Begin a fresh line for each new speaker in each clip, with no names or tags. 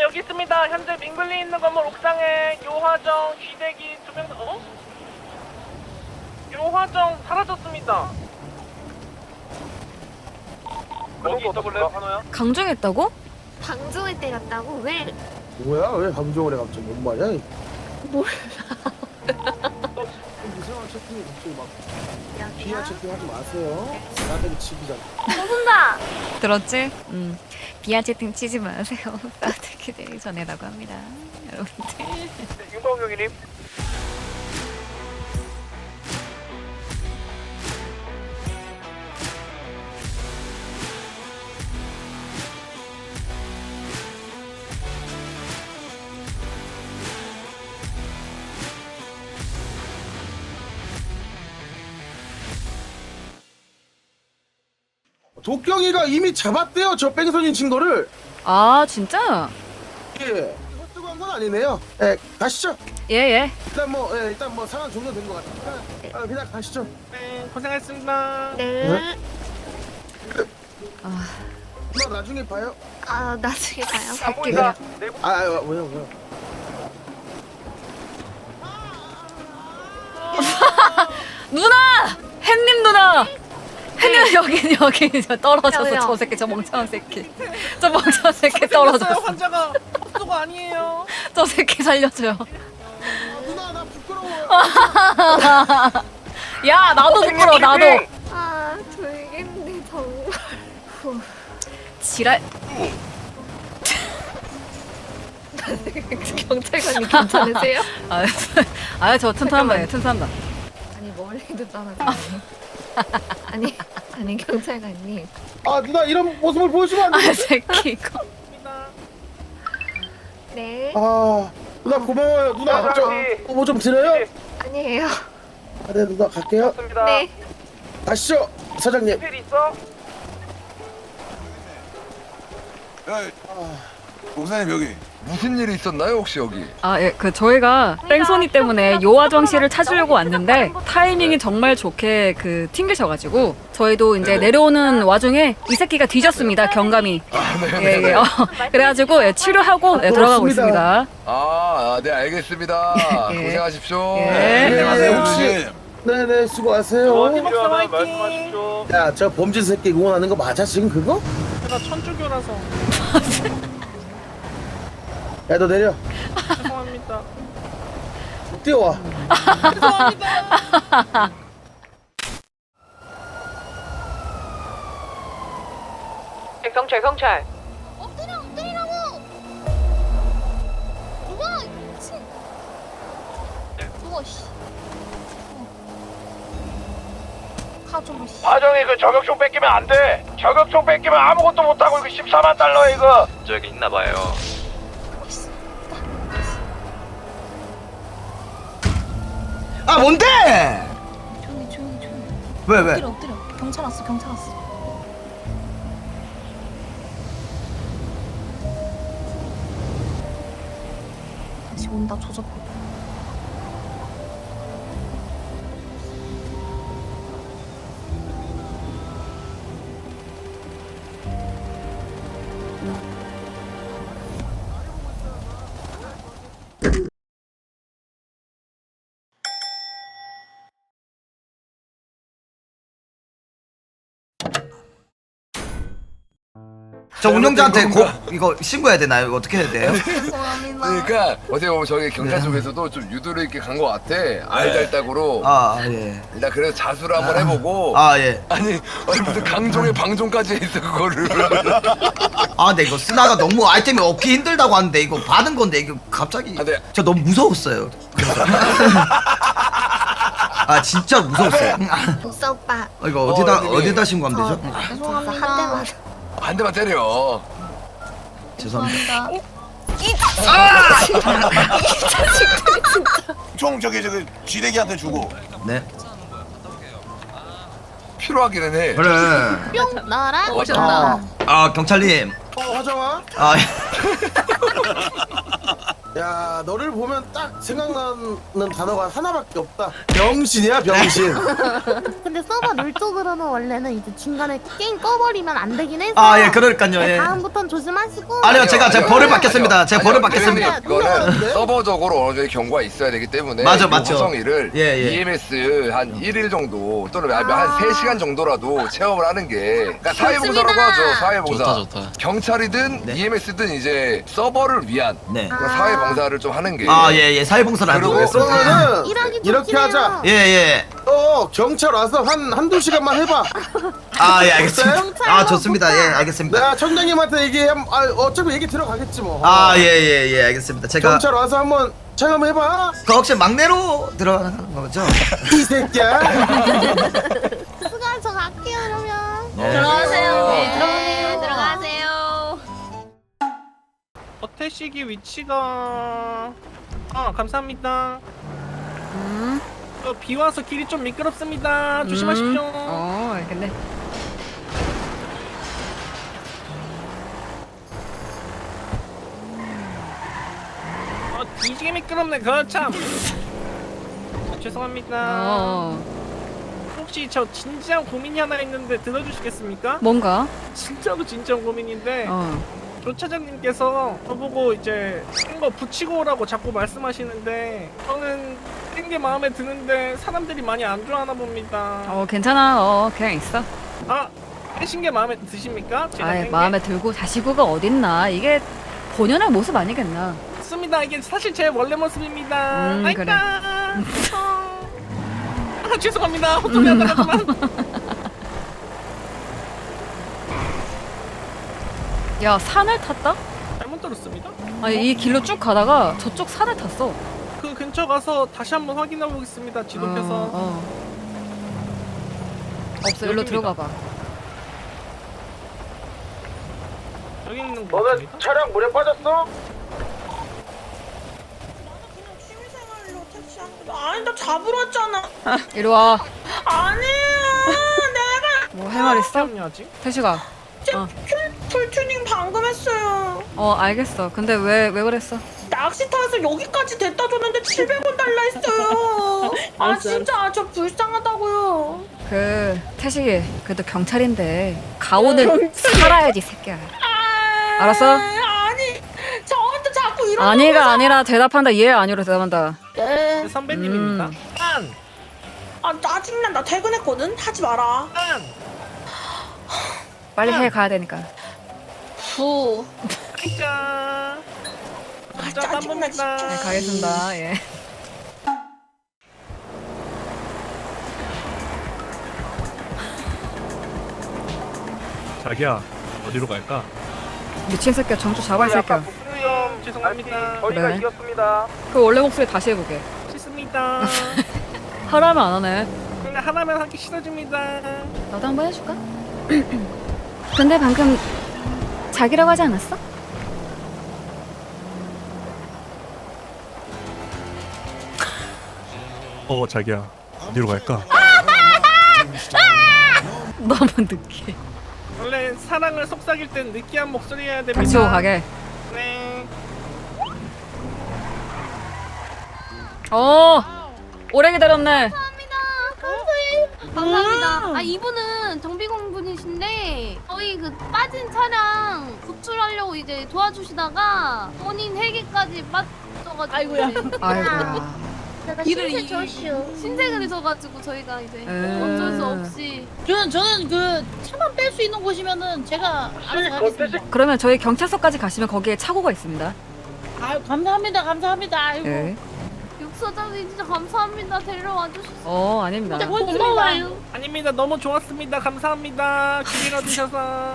여기 있습니다. 현재 민글리 있는 건물 옥상에 요화정, 쥐대기 2명. 요화정 사라졌습니다. 거기 있어볼래요, 환호야?
강종했다고?
방종을 때렸다고? 왜?
뭐야? 왜 방종을 해 갑자기? 뭔 말이야?
몰라.
이상한 채팅이 갑자기 막
여기요?
비하 채팅 하지 마세요. 나한테 치기잖아.
혼나.
들었지? 비하 채팅 치지 마세요. 따뜻하게 되기 전에라고 합니다. 여러분들.
네, 윤광 경위님.
도경이가 이미 잡았대요. 저 뺑소니 친 거를.
아 진짜?
예. 이거 뜨고 한 건 아니네요. 예, 가시죠.
예예.
일단 뭐 상황 종료된 것 같으니까 그냥 가시죠.
네, 고생하셨습니다.
네.
누나 나중에 봐요.
아, 나중에 봐요.
안 보인다. 네,
왜요?
누나! 햇님 누나! 햇님 여기 저 떨어져서
왜요?
저 새끼 저 멍청한 새끼 저 멍청한 새끼 떨어졌어.
환자가 헛소가 아니에요.
저 새끼 살려줘요.
누나 나 부끄러워.
야 나도 부끄러워 나도.
아, 졸겠네, 정말. 후.
지랄.
경찰관님 괜찮으세요?
저 튼튼한 거예요 튼튼한 거.
아니, 멀리도 떠나지. 아니, 경찰관님.
아 누나 이런 모습을 보여주면 안 돼.
새끼 이거.
네.
아 누나 고마워요. 누나 저뭐 좀 드려요?
아니에요.
네 누나 갈게요.
맞습니다.
네.
가시죠 사장님.
필 있어?
목사님 여기 무슨 일이 있었나요 혹시 여기?
저희가 뺑소니 때문에 요화정 씨를 찾으려고 왔는데 타이밍이 정말 좋게 튕기셔가지고 저희도 이제 내려오는 와중에 이 새끼가 뒤졌습니다 경감이. 예. 그래가지고 치료하고 들어가고
그렇습니다.
있습니다.
네 알겠습니다.
예.
고생하십시오.
예.
안녕하세요
혹시- 네네 수고하세요.
어디 필요하면 말씀하십시오.
야 저 범죄 새끼 응원하는 거 맞아 지금 그거?
제가 천주교라서
야 너 내려.
죄송합니다.
뛰어와.
경찰.
엎드리라고! 누가, 미친. 누가, 씨. 가져가, 씨.
화정이 그 저격총 뺏기면 안 돼. 저격총 뺏기면 아무것도 못하고 이거 14만 달러 이거. 저기 있나 봐요.
아 뭔데?
조용히.
왜?
엎드려. 경찰 왔어. 다시 온다, 조져봐.
저 운영자한테 이거 신고해야 되나요? 이거 어떻게 해야 돼요?
죄송합니다.
그러니까 어떻게 보면 저기 경찰 쪽에서도 좀 유도리 있게 간 것 같아. 알달딱으로.
예.
일단 그래서 자수를 한번 해보고.
예.
아니 무슨 강종의 방종까지 했어 그거를.
근데 이거 쓰나가 너무 아이템이 얻기 힘들다고 하는데 이거 받은 건데 이거 갑자기
네.
저 너무 무서웠어요. 그래서. 진짜 무서웠어요.
복사 오빠.
이거
선생님.
어디다 신고하면 되죠?
죄송합니다. 한 대만.
한 대만 때려.
죄송합니다.
총 저기 쥐대기한테 주고.
네.
필요하기는 해.
그래.
뿅 나랑
오셨나?
경찰님.
화정아. 야 너를 보면 딱 생각나는 단어가 하나밖에 없다. 병신이야 병신.
근데 서버 룰 쪽으로는 원래는 이제 중간에 게임 꺼버리면 안 되긴 해서.
아 예 그러니까요. 예.
다음부터는 조심하시고.
아니요 제가 벌을 받겠습니다. 제가 벌을 받겠습니다.
이거는 서버적으로 어느 정도 경고가 있어야 되기 때문에
맞아,
이
맞죠.
화성이를
예, 예.
EMS 한 1일 정도 또는 한 3시간 정도라도 체험을 하는 게 그러니까 사회봉사라고 하죠. 사회봉사.
좋다.
경찰이든
네.
EMS든 이제 서버를 위한
네.
그런 사회봉사를 좀 하는 게
아 예 사회봉사를
그리고
하도록 하겠습니다.
그러면은
일하기
이렇게
좋긴
하자.
해요.
예예.
경찰 와서 한두 시간만 해봐.
아 예 알겠습니다.
경찰로
아 좋습니다. 예 알겠습니다.
내가 청장님한테 얘기하면 어차피 얘기 들어가겠지 뭐.
아 예 알겠습니다. 제가
경찰 와서 한번 체험해봐.
그 혹시 막내로 들어가는 거죠?
이 새끼야.
수고하 저 갈게요 그러면.
들어가세요.
네, 들어가세요.
어태식이 위치가 감사합니다. 비 와서 길이 좀 미끄럽습니다. 조심하십시오.
알겠네.
뒤지게 미끄럽네. 거참. 죄송합니다. 혹시 저 진지한 고민이 하나 있는데 들어주시겠습니까?
뭔가?
진짜로 진지한 고민인데 조차장님께서 저보고 이제 큰 거 붙이고 오라고 자꾸 말씀하시는데 저는 큰 게 마음에 드는데 사람들이 많이 안 좋아하나 봅니다.
괜찮아. 그냥 있어.
하신 게 마음에 드십니까? 제가
아이,
뺀 게?
마음에 들고 자시고가 어딨나. 이게 본연의 모습 아니겠나.
맞습니다. 이게 사실 제 원래 모습입니다.
그래.
죄송합니다. 헛소리 하다가만.
야, 산을 탔다?
잘못 들었습니다.
아니, 이 길로 쭉 가다가 저쪽 산을 탔어.
그 근처 가서 다시 한번 확인해 보겠습니다. 지도표서.
없어, 일로
여기입니다.
들어가 봐.
여기 있는 거
너네
같습니다.
차량 물에 빠졌어?
아니 나 잡으러 왔잖아.
이리 와.
아니야 내가
뭐 할 말 있어?
잠깐만요.
태식아.
풀튜닝 방금 했어요.
알겠어. 근데 왜 그랬어?
낚시 타서 여기까지 데려다 줬는데 700원 달라 했어요. 아 진짜 저 불쌍하다고요.
태식이, 그래도 경찰인데, 가오는 살아야지, 새끼야. 알았어?
아니 저한테 자꾸 이런.
아니가 아니라 대답한다. 예, 아니로 대답한다.
네.
선배님입니다.
아 짜증나. 나 퇴근했거든. 하지 마라.
빨리 해, 가야 되니까.
후.
진짜.
짜증나 진짜.
네, 가겠습니다. 예.
자기야 어디로 갈까?
미친 새끼야, 정주 잡아, 이 새끼야.
죄송합니다.
저희가
그래.
이겼습니다.
그 원래 목소리 다시 해보게.
싫습니다.
하라면 안 하네.
근데 하나면 하기 싫어집니다.
나도 한번 해줄까? 근데 방금 자기라고 하지 않았어?
자기야 어디로 갈까?
너무 느끼해.
원래 사랑을 속삭일 땐 느끼한 목소리 해야 됩니다.
닥치고 가게.
네.
오래 기다렸네.
감사합니다. 이분은 정비공 분이신데 저희 그 빠진 차량 구출하려고 이제 도와주시다가 본인 헬기까지 빠져가지고. 아이고야.
아이고야.
길을 신세가 되셔가지고 저희가 이제 어쩔 수 없이.
저는 그 차만 뺄 수 있는 곳이면은 제가 알아서 하겠습니다.
그러면 저희 경찰서까지 가시면 거기에 차고가 있습니다.
아유 감사합니다. 아이고.
네.
육사장님 진짜 감사합니다. 데려와 주셔서.
아닙니다.
고마워요.
아닙니다. 너무 좋았습니다. 감사합니다. 길 잃어주셔서.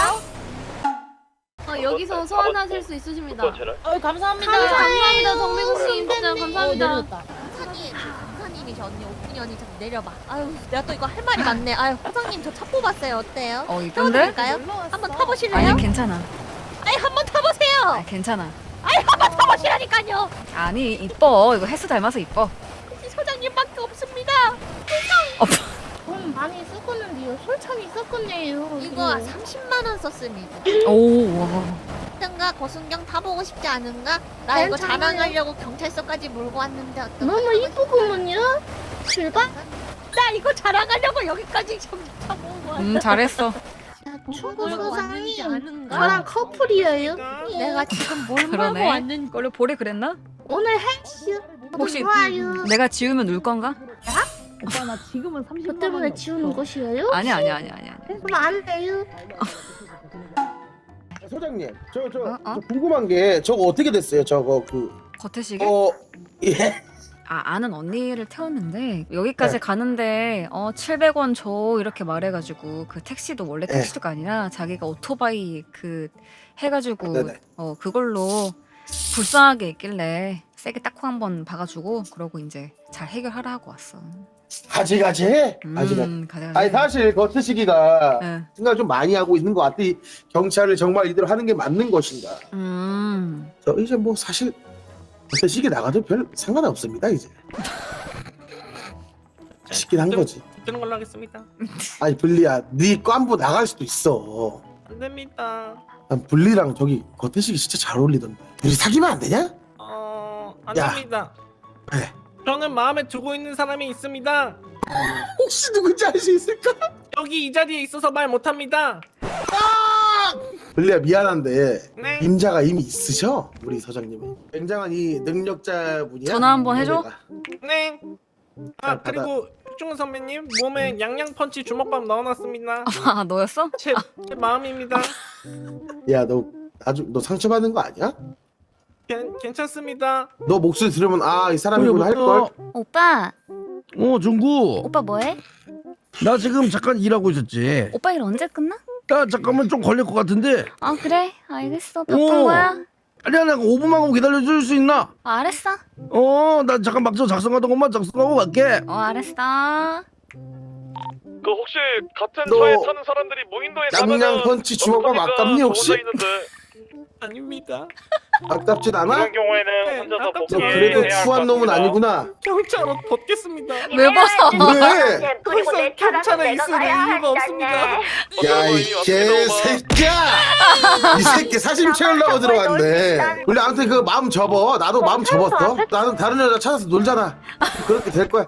여기서 소환하실 수 있으십니다.
감사합니다.
감사합니다 정비공님 진짜 감사합니다.
사장님이 저 언니 5분연이 좀 내려봐. 아유 내가 또 이거 할 말이 많네. 아유 사장님 저 차 뽑았어요. 어때요?
이쁜데?
태워드릴까요? 한번 타보실래요?
아니, 괜찮아.
아니 한번 타보세요.
괜찮아.
아니 한번 타보시라니까요.
아니, 이뻐. 이거 헬스 닮아서 이뻐.
소장님밖에 없습니다.
돈 많이 썼었는데요. 솔참이 썼었네요.
이거 30만 원 썼습니다.
오, 와.
어떤가요? 않은가? 고순경 타보고 싶지 않은가? 나 이거
괜찮아요.
자랑하려고 경찰서까지 몰고 왔는데 어떡해?
너무 이쁘구먼요. 출발.
나 이거 자랑하려고 여기까지 타고 왔는데
잘했어.
초보
몰고
소장이
왔는지 아는가?
저랑 커플이에요.
내가 지금 뭘 몰고
그러네.
왔는지
원래 볼이 그랬나?
오늘 헬스.
혹시
좋아요.
내가 지우면 울 건가?
오빠 나 지금은 30만
저 때문에 지우는 것이에요?
아니야.
그럼 안 돼요.
소장님, 저
어?
궁금한 게 저거 어떻게 됐어요? 저거
겉에시게?
예.
아는 언니를 태웠는데 여기까지 가는데 700원 줘 이렇게 말해가지고 그 택시도 원래
네.
택시가 아니라 자기가 오토바이 그 해가지고
네네.
그걸로 불쌍하게 있길래 세게 딱콩 한번 박아주고 그러고 이제 잘 해결하라 하고 왔어.
가지가지.
가져가지.
아니 사실 거트시기가
네.
생각 좀 많이 하고 있는 것 같아. 이 경찰을 정말 이대로 하는 게 맞는 것인가? 저 이제 뭐 사실 거트시기 나가도 별 상관 없습니다 이제. 시긴 한 거지.
듣는 걸로 하겠습니다.
아니 블리야, 네 깐부 나갈 수도 있어.
안 됩니다.
난 블리랑 저기 거트시기 진짜 잘 어울리던데. 우리 사귀면 안 되냐?
안
야.
됩니다.
네.
저는 마음에 두고 있는 사람이 있습니다.
혹시 누군지 알 수 있을까?
여기 이 자리에 있어서 말 못합니다.
블리야 미안한데
네.
임자가 이미 있으셔 우리 서장님은. 굉장한 이 능력자분이야.
전화 한번 해줘?
노래가.
네.
받아.
그리고 흑중훈 선배님 몸에 양양 펀치 주먹밥 넣어놨습니다.
아 너였어?
제 마음입니다.
야, 너 상처받는 거 아니야?
괜찮습니다.
너 목소리 들으면 이 사람이구나 할걸?
오빠.
중구.
오빠 뭐해?
나 지금 잠깐 일하고 있었지.
오빠 일 언제 끝나?
나 잠깐만 좀 걸릴 것 같은데.
아 그래. 알겠어. 바쁜 거야?
아니야, 나 5분만 기다려줄 수 있나?
알았어.
나 잠깐 막저 작성하던 것만 작성하고 갈게.
알았어.
그 혹시 같은
너
차에 타는 사람들이 무인도에
양양 펀치 주먹밥 아깝니 혹시?
아닙니다.
아깝진 않아?
그런 경우에는
네,
혼자서
아깝지.
너
복귀해야
그래도
할 것
추한 놈은
같습니다.
아니구나.
경찰 옷 벗겠습니다.
왜 벗어?
왜?
더 이상 경찰에 있을 이유가 없습니다.
야, 이 개새끼야! 이 새끼 사심 채우려고 들어왔네. 원래 아무튼 그 마음 접어. 나도 마음 접었어. 나는 다른 여자 찾아서 놀잖아. 그렇게 될 거야.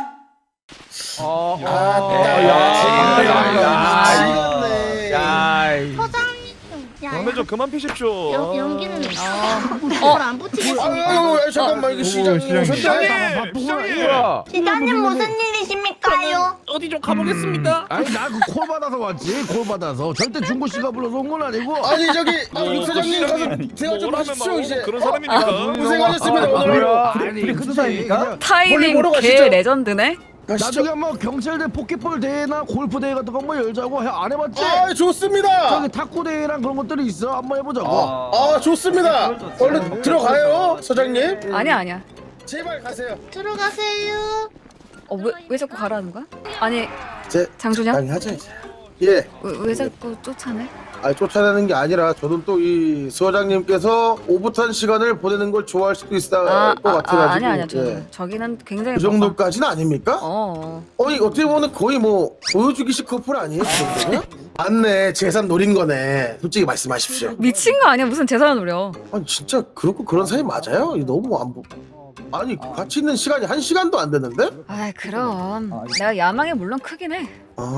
서장님.
담배 좀 그만 피십시오.
연기는 안 붙이겠습니다.
아유, 잠깐만 이거 시장님 오셨네.
시장님 무슨 일이십니까요?
어디 좀 가보겠습니다.
아니, 나 그 콜 받아서 왔지. 콜 받아서. 절대 중구 씨가 불러서 온 건 아니고.
아니 저기 육 사장님 가서 대화 좀 하십시오 이제.
그런 사람이니까.
고생하셨습니다 오늘.
아니, 그냥
타이밍
보러
개
가시죠.
레전드네.
나중에 뭐 경찰대 포켓볼 대회나 골프 대회 같은 거 한번 열자고 안 해봤지?
아 좋습니다.
저기 탁구 대회랑 그런 것들이 있어. 한번 해보자고.
좋습니다. 얼른 들어가요 서장님.
아니야.
제발 가세요.
들어가세요.
왜 자꾸 가라는 거야? 아니
제
장준영?
적당히 하자 이제. 예.
왜 자꾸 쫓아내?
쫓아내는 게 아니라 저는 또 이 서장님께서 오붓한 시간을 보내는 걸 좋아할 수도 있을 것 같아가지고.
아니야.
예.
저기는 굉장히
그 정도까지는 아닙니까? 아니 어떻게 보면 거의 뭐 보여주기식 커플 아니에요? 그 정도면? 맞네, 재산 노린 거네. 솔직히 말씀하십시오.
미친 거 아니야? 무슨 재산을 노려?
아니 진짜 그렇고 그런 사이 맞아요? 너무 안 보. 아니 같이 있는 시간이 1시간도 안 됐는데?
아 그럼 내가 야망이 물론 크긴 해.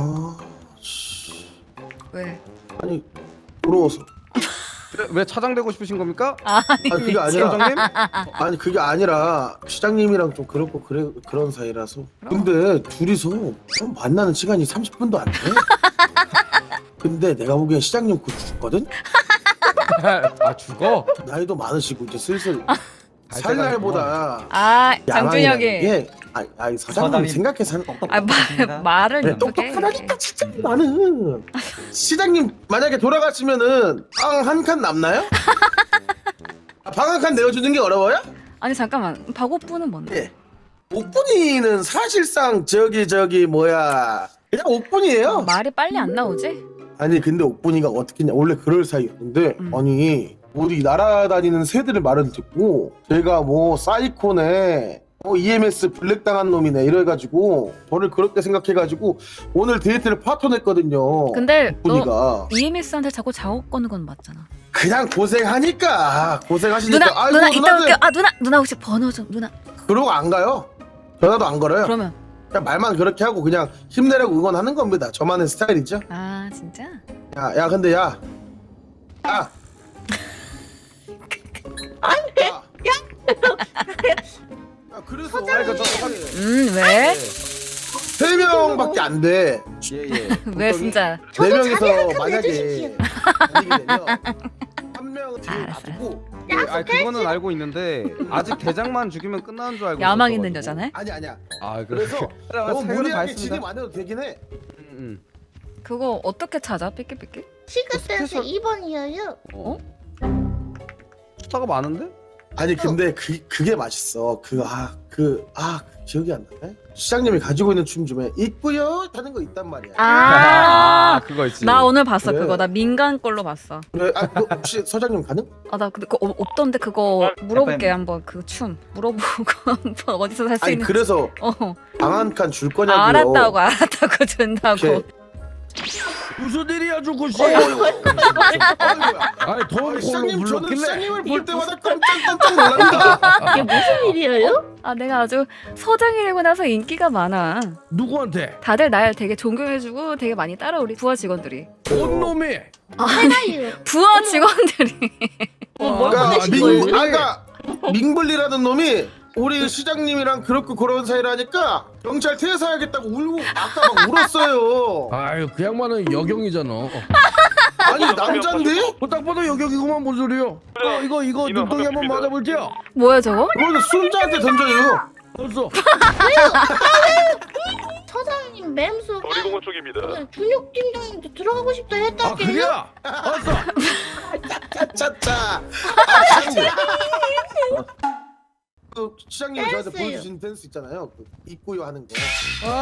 왜?
아니 부러워서.
왜 차장되고 싶으신 겁니까?
아니
그게 아니라.
시장님?
아니 그게 아니라 시장님이랑 좀 그렇고 그런 사이라서. 근데 둘이서 좀 만나는 시간이 30분도 안 돼. 근데 내가 보기엔 시장님 곧 죽거든?
죽어?
나이도 많으시고 이제 슬슬 살 날보다
장준혁이
아니 서장님 생각해서
말을
그래, 똑똑하다니까 진짜 나는. 시장님 만약에 돌아가시면은 빵 한 칸 남나요? 방 한 칸 내어주는 게 어려워요?
아니 잠깐만 박오프는 뭔데?
예. 옥분이는 사실상 저기 뭐야 그냥 옥분이에요.
말이 빨리 안 나오지?
아니 근데 옥분이가 어떻게냐 원래 그럴 사이였는데 아니 우리 날아다니는 새들의 말을 듣고 제가 뭐 사이코네 EMS 블랙 당한 놈이네 이래가지고 저를 그렇게 생각해가지고 오늘 데이트를 파토냈거든요.
근데
옥분이가
너 EMS한테 자꾸 작업 거는 건 맞잖아.
그냥 고생하시니까.
누나
아이고,
누나 이따
누나들.
올게요. 아 누나 혹시 번호 좀 누나.
그러고 안 가요. 전화도 안 걸어요.
그러면
그냥 말만 그렇게 하고 그냥 힘내라고 응원하는 겁니다. 저만의 스타일이죠.
아 진짜?
야 근데 야. 그래서
왜?
3명밖에 안 돼.
예예.
왜 진짜?
4명이서 만약에 다니게 되면 한 명은 뒤에 놔두고.
아 그거는 알고 있는데 아직 대장만 죽이면 끝나는 줄 알고.
야망 있는
있었어가지고.
여자네?
아니야.
아
그래서 너무
세금을 다
무리하게
했습니다.
진입 안 해도 되긴 해.
그거 어떻게 찾아? 삐끼삐끼?
시그센스 2번이에요.
어? 스타가 많은데?
아니 근데 그게 맛있어. 기억이 안 나네. 시장님이 가지고 있는 춤 중에 있고요 하는 거 있단 말이야.
아
그거 있지.
나 오늘 봤어
그래.
그거. 나 민간 걸로 봤어.
그래, 너 혹시 서장님 가능?
아 나 근데 그거 없던데 그거 물어볼게 한번. 그 춤 물어보고 한번 어디서 살 수
아니
있는.
그래서
어.
방 한 칸 줄 거냐고요.
알았다고 준다고.
이렇게.
무슨 일이야 주구씨?
아이고야.
아니 돈
시장님
꼴로
저는
불렀길래.
시장님을 볼 때마다 깜짝 놀랍니다.
이게 무슨 일이에요?
아 내가 아주 서장이 되고 나서 인기가 많아.
누구한테?
다들 날 되게 존경해주고 되게 많이 따라 우리 부하 직원들이.
온 놈이.
해나요.
부하 직원들이.
그러니까 민블리라는 놈이 우리 시장님이랑 그렇고 그런 사이라니까 경찰 퇴사하겠다고 울고 아까 막 울었어요.
아유 그 양반은 여경이잖아.
아니 남잔데?
딱 봐도 여경이구만 뭔 소리요? 이거 눈덩이 한번 맞아볼게요.
뭐야 저거?
그거는 순자한테 던져요.
벌써.
서장님 맴수
놀이공원 쪽입니다.
준혁 팀장님도 들어가고 싶다
아
했다게요.
그래? 알았어.
차차차. 그 시장님이 저한테
댄스요.
보여주신 댄스 있잖아요. 그 입고요 하는 거.
아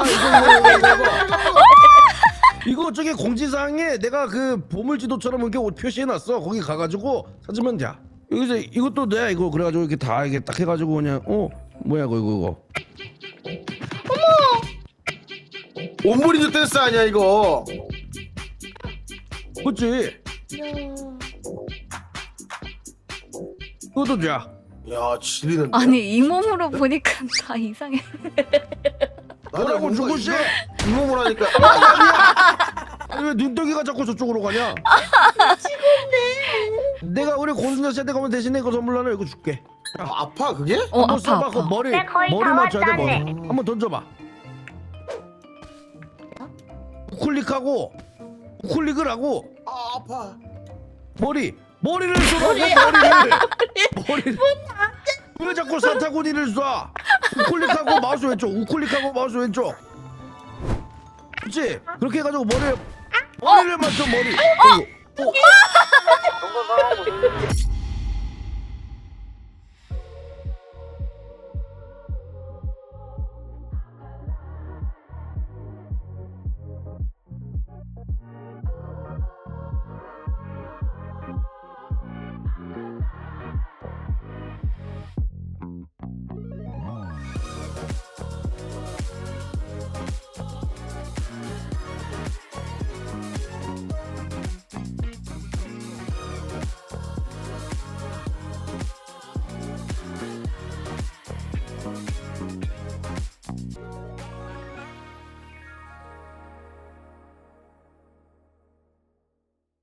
이거 저기 공지사항에 내가 그 보물지도처럼 이렇게 옷 표시해놨어. 거기 가가지고 찾으면 돼. 여기서 이것도 돼. 이거 그래가지고 이렇게 다 이게 딱 해가지고 그냥 뭐야 이거.
온브리드 댄스 아니야 이거?
그렇지. 이것도 돼.
야 지리는.
아니 이 몸으로 보니까 다 이상해.
뭐라고 죽으시?
이 몸을 하니까.
아니 왜 눈덩이가 자꾸 저쪽으로 가냐? 내가 우리 고순자 씨한테 가면 대신에 이거 선물로 하나 이거 줄게.
아파 그게?
한번
아파
써봐. 그
아파.
머리 맞춰야 돼 머리. 한번 던져봐. 우클릭하고 우클릭을 하고
아파.
머리를 쏘라고 머리를. 왜 자꾸 산타구니를 쏴? 우클릭하고 마우스 왼쪽. 우클릭하고 마우스 왼쪽. 그렇지? 그렇게 해가지고 머리를 맞춰 머리.
정선 상황 보세요.